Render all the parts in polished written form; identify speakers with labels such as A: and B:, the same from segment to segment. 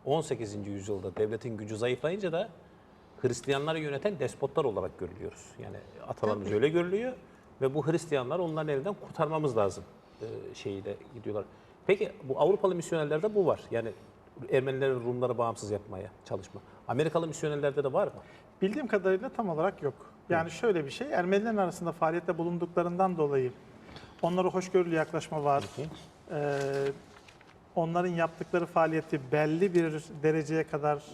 A: 18. yüzyılda devletin gücü zayıflayınca da Hristiyanları yöneten despotlar olarak görülüyoruz. Yani atalarımız öyle görülüyor ve bu Hristiyanlar onların elinden kurtarmamız lazım şeyiyle gidiyorlar. Peki bu Avrupalı misyonerlerde bu var. Yani Ermenilerin Rumları bağımsız yapmaya çalışma. Amerikalı misyonerlerde de var mı?
B: Bildiğim kadarıyla tam olarak yok. Yani şöyle bir şey, Ermenilerin arasında faaliyette bulunduklarından dolayı onlara hoşgörülü yaklaşma var. Onların yaptıkları faaliyeti belli bir dereceye kadar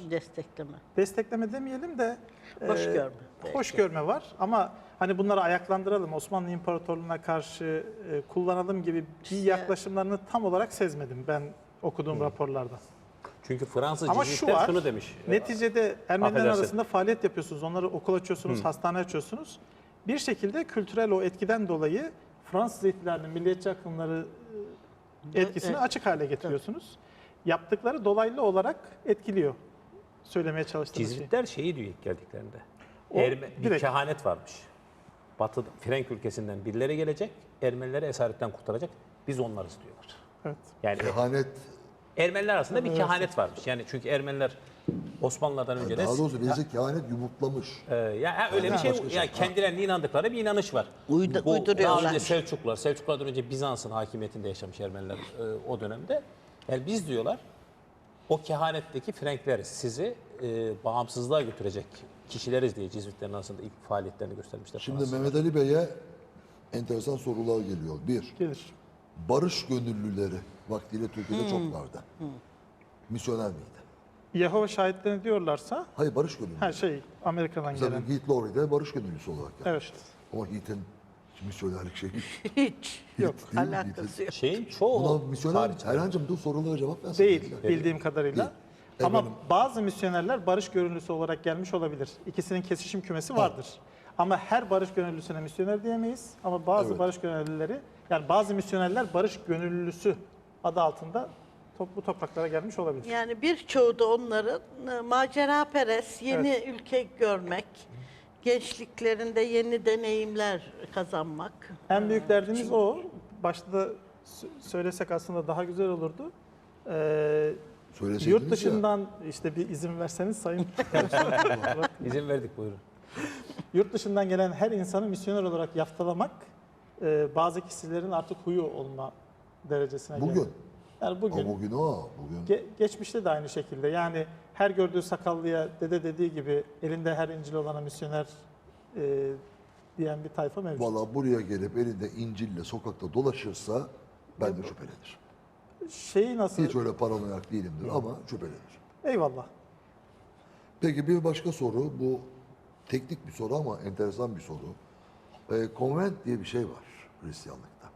B: destekleme demeyelim de
C: Hoş görme.
B: hoş görme var. Ama hani bunları ayaklandıralım, Osmanlı İmparatorluğu'na karşı kullanalım gibi bir yaklaşımlarını tam olarak sezmedim ben okuduğum raporlarda.
A: Çünkü Fransız
B: Ama
A: Jesuitler şunu demiş.
B: Neticede Ermeniler
A: affedersin.
B: arasında faaliyet yapıyorsunuz. Onları okul açıyorsunuz, hastane açıyorsunuz. Bir şekilde kültürel o etkiden dolayı Fransız ihtilalinin milliyetçi akımları etkisini açık hale getiriyorsunuz. Yaptıkları dolaylı olarak etkiliyor. Söylemeye çalıştığım şey.
A: Cizvitler şeyi diyor ilk geldiklerinde.
B: O
A: Bir
B: direkt.
A: kehanet varmış. Batı Frenk ülkesinden birileri gelecek, Ermenileri esaretten kurtaracak. Biz onlarız diyorlar.
B: Evet.
A: Yani
D: Kehanet,
A: Ermeniler arasında bir kehanet varmış. Yani çünkü Ermeniler Osmanlılardan önce de
D: daha doğrusu bizi kehanet yumurtlamış.
A: ya öyle bir şey,
D: başka şey.
A: yani kendilerine inandıkları bir inanış var. Bu daha
C: uyduruyorlar.
A: önce Selçuklardan önce Bizans'ın hakimiyetinde yaşamış Ermeniler o dönemde. Yani biz diyorlar o kehanetteki Frenkler sizi bağımsızlığa götürecek kişileriz diye Cizvitlerin arasında ilk faaliyetlerini göstermişler.
D: Şimdi
A: Fransız.
D: Mehmet Ali Bey'e enteresan sorular geliyor. Bir,
B: Gelir.
D: barış gönüllüleri vaktiyle Türkiye'de çok vardı. Misyoner miydi?
B: Yehova şahitlerini diyorlarsa
D: Hayır, barış gönüllüleri.
B: Amerika'dan
D: Mesela
B: gelen.
D: Heath Lowry'de barış gönüllüsü olarak geldi.
B: Evet.
D: Ama Heath'in misyonerlik şeyi
C: Hiç
B: Yok,
D: değil mi?
C: alakası yok.
A: Şeyin çoğu
D: Buna misyoner,
A: tarihçiler-
D: Erhan'cığım dur sorulara cevap versin.
B: Değil bildiğim kadarıyla.
D: Değil.
B: Ama
D: Efendim?
B: bazı misyonerler barış gönüllüsü olarak gelmiş olabilir. İkisinin kesişim kümesi vardır. Ama her barış gönüllüsüne misyoner diyemeyiz. Ama bazı
D: Evet.
B: barış gönüllüleri, yani bazı misyonerler barış gönüllüsü adı altında bu topraklara gelmiş olabilir.
C: Yani birçoğu da onların maceraperest, yeni ülke görmek, gençliklerinde yeni deneyimler kazanmak.
B: En büyük derdimiz o. Başta da söylesek aslında daha güzel olurdu.
D: Söyleseydiniz
B: Yurt
D: ya.
B: dışından işte bir izin verseniz sayın.
A: İzin verdik, buyurun.
B: Yurt dışından gelen her insanı misyoner olarak yaftalamak bazı kişilerin artık huyu olma derecesine geldi.
D: Bugün.
B: Yani bugün,
D: Ama bugün o. Bugün
B: geçmişte de aynı şekilde. Yani her gördüğü sakallıya dede dediği gibi elinde her İncil olana misyoner diyen bir tayfa mevcut.
D: valla buraya gelip elinde İncil'le sokakta dolaşırsa ben de şüphelenirim.
B: Şeyi nasıl?
D: Hiç öyle paranoyak değilimdir ama şüphelenirim.
B: Eyvallah.
D: Peki bir başka soru. Bu teknik bir soru ama enteresan bir soru. Konvent diye bir şey var Hristiyanlıkta.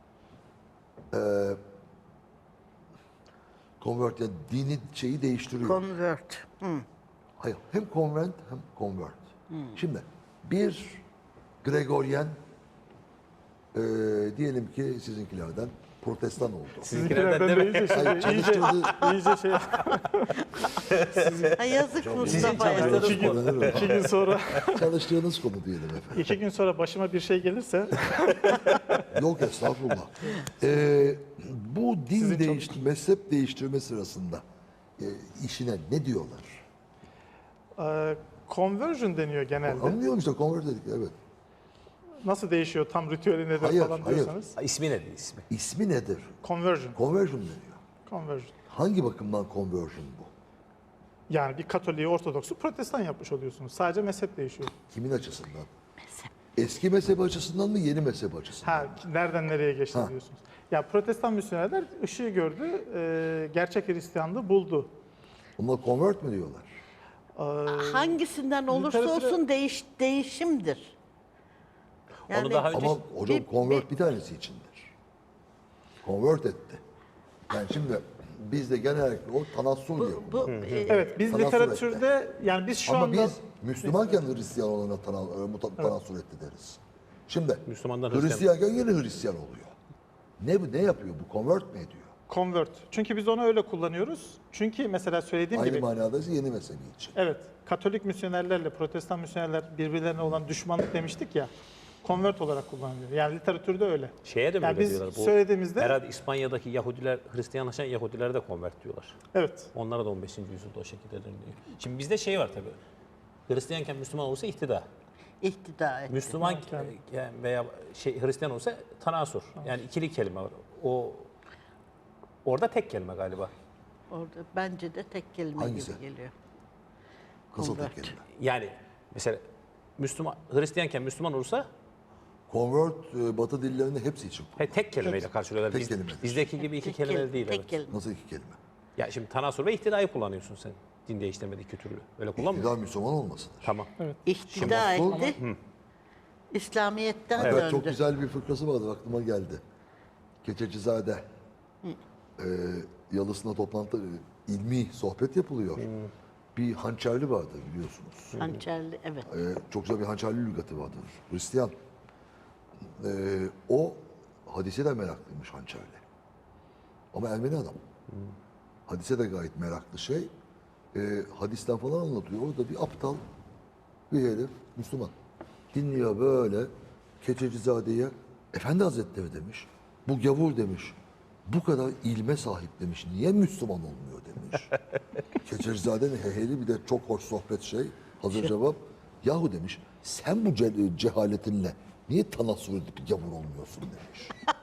D: Convert yani dini şeyi değiştiriyor.
C: Convert.
D: Hayır, hem konvent hem convert. Şimdi bir Gregorian diyelim ki sizinkilerden protestan oldu.
A: Sizinkilerden
B: de
A: deme.
B: iyice,
D: Hayır, çalıştığınız,
B: iyice şey.
C: Ha, yazık Mustafa'ya.
A: çalıştığınız
B: İki gün sonra,
D: çalıştığınız konu diyelim efendim.
B: 2 gün sonra başıma bir şey gelirse
D: Yok estağfurullah. Bu din mezhep değiştirme sırasında işine ne diyorlar?
B: conversion deniyor genelde.
D: Anlıyorum işte convert dedik evet.
B: Nasıl değişiyor tam ritüeli nedir
D: Hayır,
B: falan
D: hayır.
B: diyorsanız.
A: İsmi nedir ismi?
D: İsmi nedir?
B: Conversion.
D: Conversion deniyor.
B: Conversion.
D: Hangi bakımdan conversion bu?
B: Yani bir Katolik'i Ortodoks'u Protestan yapmış oluyorsunuz. Sadece mezhep değişiyor.
D: Kimin açısından? Eski mezhep açısından mı yeni mezhep açısından?
B: Ha, nereden nereye geçti
D: Ha.
B: diyorsunuz. Ya Protestan misyonerler ışığı gördü, gerçek Hristiyanlığı buldu.
D: Onlar convert mi diyorlar?
C: Hangisinden olursa
B: Literatüre-
C: olsun değişimdir.
A: Onu daha önce
D: Ama hocam
C: bir-
D: convert bir tanesi içindir. Convert etti. Yani şimdi bizde genellikle o tanassur diyor.
C: Bu
B: Evet, biz
D: Tanassur
B: literatürde yani biz şu
D: Ama
B: anda
D: biz Müslümanken Hristiyan olana tanassur etti deriz. Şimdi
A: Müslümandan
D: Hristiyanken yine Hristiyan oluyor. Ne yapıyor bu? Convert mi ediyor?
B: convert. Çünkü biz onu öyle kullanıyoruz. Çünkü mesela söylediğim
D: Aynı
B: gibi
D: manada ise yeni mezhebi için.
B: evet, Katolik misyonerlerle Protestan misyonerler birbirlerine olan düşmanlık demiştik ya. Convert olarak kullanılıyor. Yani literatürde öyle.
A: Şeye de mi
B: Yani
A: öyle
B: biz
A: diyorlar? Bu
B: söylediğimizde
A: herhalde İspanya'daki Yahudiler, Hristiyanlaşan Yahudilere de konvert diyorlar.
B: evet.
A: Onlara da 15. yüzyılda o şekilde deniliyor. Şimdi bizde şey var tabii. Hristiyanken Müslüman olursa ihtida.
C: İhtida etti.
A: Müslüman veya Hristiyan olsa tanasur. Yani ikili kelime var. Orada tek kelime galiba.
C: Orada bence de tek kelime
D: Hangisi?
C: gibi geliyor.
D: Kısa
C: Convert.
D: tek kelime.
A: Yani mesela Hristiyanken Müslüman olursa
D: Convert Batı dillerinde hepsi için.
A: tek kelimeyle karşılıyorlar.
D: Tek kelimedir.
A: Bizdeki gibi iki
C: Tek
A: kelime
C: kel-
A: değil.
C: Tek
A: Evet.
C: kelime.
D: Nasıl iki kelime?
A: Ya şimdi tanasur ve ihtidayı kullanıyorsun sen. Din değiştirmedi iki türlü. Öyle kullanmıyor musun?
D: İktidar Müslüman olmasıdır.
A: Tamam.
C: İhtida
D: Şimdi-
C: etti. İslamiyet'ten
D: Evet,
C: döndü.
D: çok güzel bir fıkrası vardı, aklıma geldi. Keçecizade. Yalısına toplantı, ilmi sohbet yapılıyor. Bir hançerli vardır biliyorsunuz.
C: Hançerli, evet.
D: Çok güzel bir hançerli lügatı vardır. Hristiyan. O hadise de meraklıymış hançerli. Ama Ermeni adam. Hadise de gayet meraklı şey. Hadisten falan anlatıyor. Orada bir aptal bir herif, Müslüman. Dinliyor böyle Keçecizade'ye, Efendi Hazretleri demiş. Bu gavur demiş. Bu kadar ilme sahip demiş. Niye Müslüman olmuyor demiş. Keçecizade'nin heheli bir de çok hoş sohbet şey. Hazır cevap. Yahu demiş sen bu cehaletinle niye tanassur edip gavur olmuyorsun demiş.